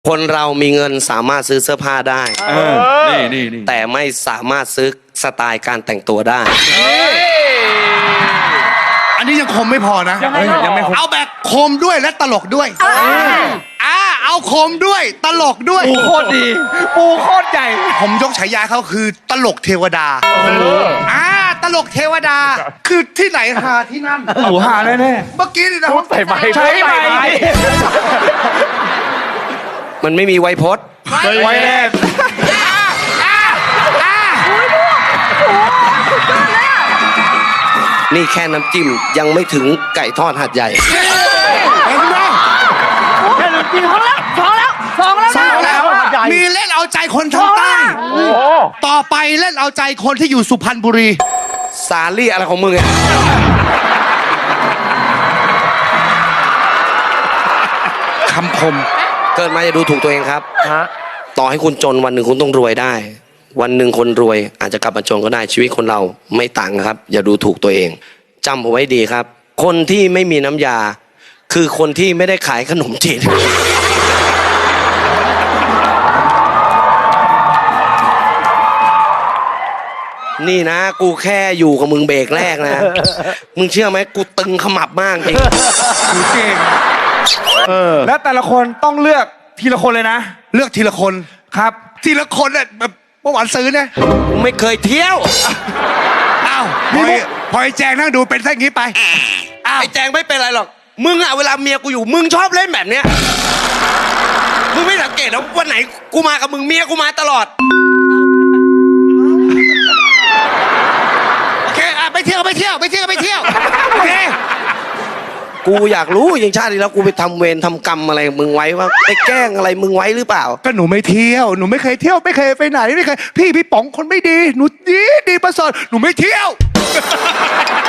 คนเรามีเงินสามารถซื้อเสื้อผ้าได้นี่แต่ไม่สามารถซื้อสไตล์การแต่งตัวได้อันนี้ยังคมไม่พอนะยังไม่คมเอาแบบคมด้วยและตลกด้วยเอาคมด้วยตลกด้วยปูโคตรดีปูโคตรใหญ่ผมยกฉายาเขาคือตลกเทวดาตลกเทวดาคือที่ไหนหาที่นั่นหูหาแน่เมื่อกี้นี่นะใส่ไม้ใช้ไม้มันไม่มีไวยพจน์ไว้แน่นี่แค่น้ำจิ้มยังไม่ถึงไก่ทอดหัดใหญ่เห็นไหมแค่น้ำจิ้มสองแล้วมีเล่นเอาใจคนทางใต้ต่อไปเล่นเอาใจคนที่อยู่สุพรรณบุรีสาลี่อะไรของมึงเนี่ยคำคมเกิดมาจะดูถูกตัวเองครับต่อให้คุณจนวันหนึ่งคุณต้องรวยได้ วันหนึ่งคนรวยอาจจะกลับมาจนก็ได้ชีวิตคนเราไม่ต่างครับอย่าดูถูกตัวเองจำเอาไว้ดีครับคนที่ไม่มีน้ำยาคือคนที่ไม่ได้ขายขนมจีนนี่นะกูแค่อยู่กับมึงเบรกแรกนะมึงเชื่อไหมกูตึงขมับมากจริงกูเก่งและแต่ละคนต้องเลือกทีละคนเลยนะเลือกทีละคนครับทีละคนเนี่ยแบบเมื่อวานซื้อเนี่ยไม่เคยเที่ยวอ้าวพอไอ้แจงนั่งดูเป็นแค่นี้ไปไอ้แจงไม่เป็นไรหรอกมึงอะเวลาเมียกูอยู่มึงชอบเล่นแบบเนี้ยมึงไม่สังเกตนะวันไหนกูมากับมึงเมียกูมาตลอดโอเคไปเที่ยวโอเคกูอยากรู้อย่างชาติที่แล้วกูไปทำเวรทำกรรมอะไรมึงไว้ว่าไปแกล้งอะไรมึงไว้หรือเปล่าก็หนูไม่เที่ยวหนูไม่เคยเที่ยวไม่เคยไปไหนไม่เคยพี่ป๋องคนไม่ดีหนูดีประเสริฐหนูไม่เที่ยว